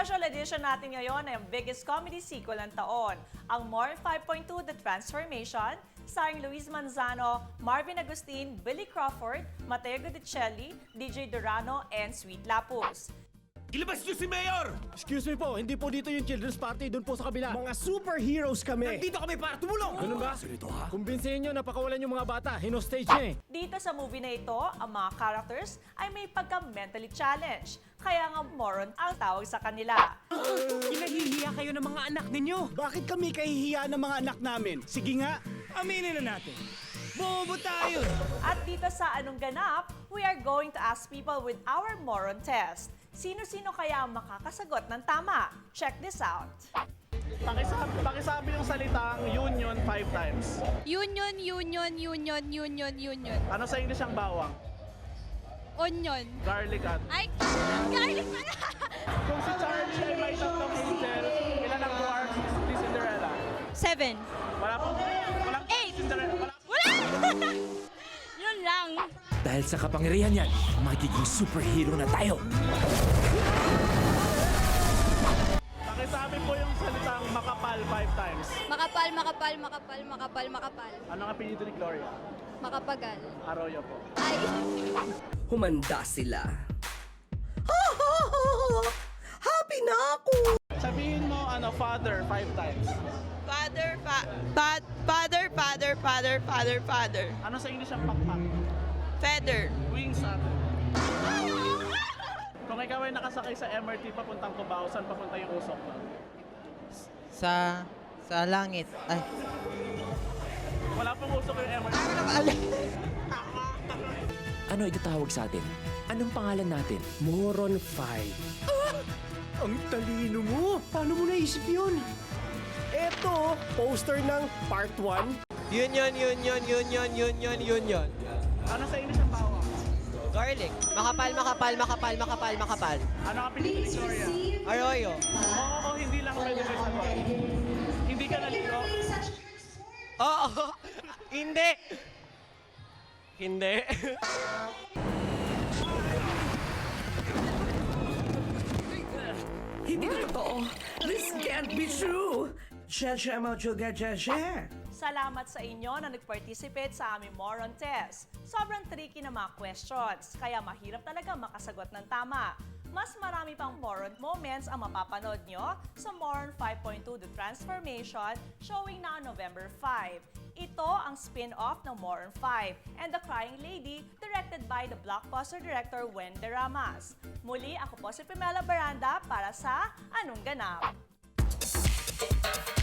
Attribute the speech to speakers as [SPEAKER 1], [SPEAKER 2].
[SPEAKER 1] Special edition natin ngayon ay ang biggest comedy sequel ng taon, ang More 5.2 The Transformation, starring Luis Manzano, Marvin Agustin, Billy Crawford, Mateo Guidicelli, DJ Durano, and Sweet Lapus.
[SPEAKER 2] Ilabas niyo si Mayor!
[SPEAKER 3] Excuse me po, hindi po dito yung children's party, doon po sa kabila. Mga superheroes kami!
[SPEAKER 2] Nandito kami para tumulong!
[SPEAKER 3] Ganun ba? Kumbinsihin nyo na pakawalan yung mga bata, hinostage niya eh.
[SPEAKER 1] Dito sa movie na ito, ang mga characters ay may pagka-mentally challenged, kaya nga moron ang tawag sa kanila.
[SPEAKER 2] Inahihiya kayo ng mga anak ninyo!
[SPEAKER 3] Bakit kami kahihiya ng mga anak namin? Sige nga,
[SPEAKER 2] Aminin na natin! Bobo tayo!
[SPEAKER 1] At dito sa Anong Ganap, we are going to ask people with our moron test. Sino-sino kaya ang makakasagot ng tama? Check this out.
[SPEAKER 4] Pakisabi yung salitang union 5 times.
[SPEAKER 5] Union, union, union, union, union.
[SPEAKER 4] Ano sa English ang bawang?
[SPEAKER 5] Onion.
[SPEAKER 4] Garlic at...
[SPEAKER 5] Ay, garlic pala!
[SPEAKER 4] Kung si Charlie ay may tatlong angel, ilan ang dwarfs ni Cinderella?
[SPEAKER 5] 7.
[SPEAKER 4] Walang
[SPEAKER 5] Eight.
[SPEAKER 4] Cinderella.
[SPEAKER 5] Wala! Yun lang.
[SPEAKER 2] Dahil sa kapangyarihan yan, magiging superhero na tayo!
[SPEAKER 4] Pakisabi po yung salitang makapal 5 times.
[SPEAKER 5] Makapal, makapal, makapal, makapal, makapal.
[SPEAKER 4] Ano ang apelyido ni Gloria?
[SPEAKER 5] Makapagal.
[SPEAKER 4] Arroyo po.
[SPEAKER 5] Ay,
[SPEAKER 6] Humanda sila. Happy na ako!
[SPEAKER 4] Sabihin mo, father 5 times.
[SPEAKER 7] Father, father.
[SPEAKER 4] Ano sa English ang pakpak?
[SPEAKER 7] Feather.
[SPEAKER 4] Wings at... Kung ikaw ay nakasakay sa MRT papuntang Cubao, saan papunta yung usok mo?
[SPEAKER 7] Sa langit. Ay.
[SPEAKER 4] Wala pong usok yung MRT.
[SPEAKER 2] Ano itatawag sa atin? Anong pangalan natin?
[SPEAKER 3] Moron 5. Ang talino mo! Paano mo naisip yun? Eto, poster ng part 1.
[SPEAKER 7] Union.
[SPEAKER 4] Ano sa English ang bawang?
[SPEAKER 7] Garlic. Makapal.
[SPEAKER 4] Ano ang apelyido ni Gloria?
[SPEAKER 7] Arroyo.
[SPEAKER 4] Oo, hindi lang pwede may sagot. Hindi ka naligo.
[SPEAKER 7] Oo. Hindi. Hindi.
[SPEAKER 6] Hindi na totoo. This can't be true. Cheche mo juga cheche.
[SPEAKER 1] Salamat sa inyo na nag-participate sa aming moron test. Sobrang tricky na mga questions, kaya mahirap talaga makasagot ng tama. Mas marami pang moron moments ang mapapanood nyo sa Moron 5.2 The Transformation, showing na on November 5. Ito ang spin-off ng Moron 5 and The Crying Lady, directed by the blockbuster director Wende Ramas. Muli, ako po si Pamela Baranda para sa Anong Ganap.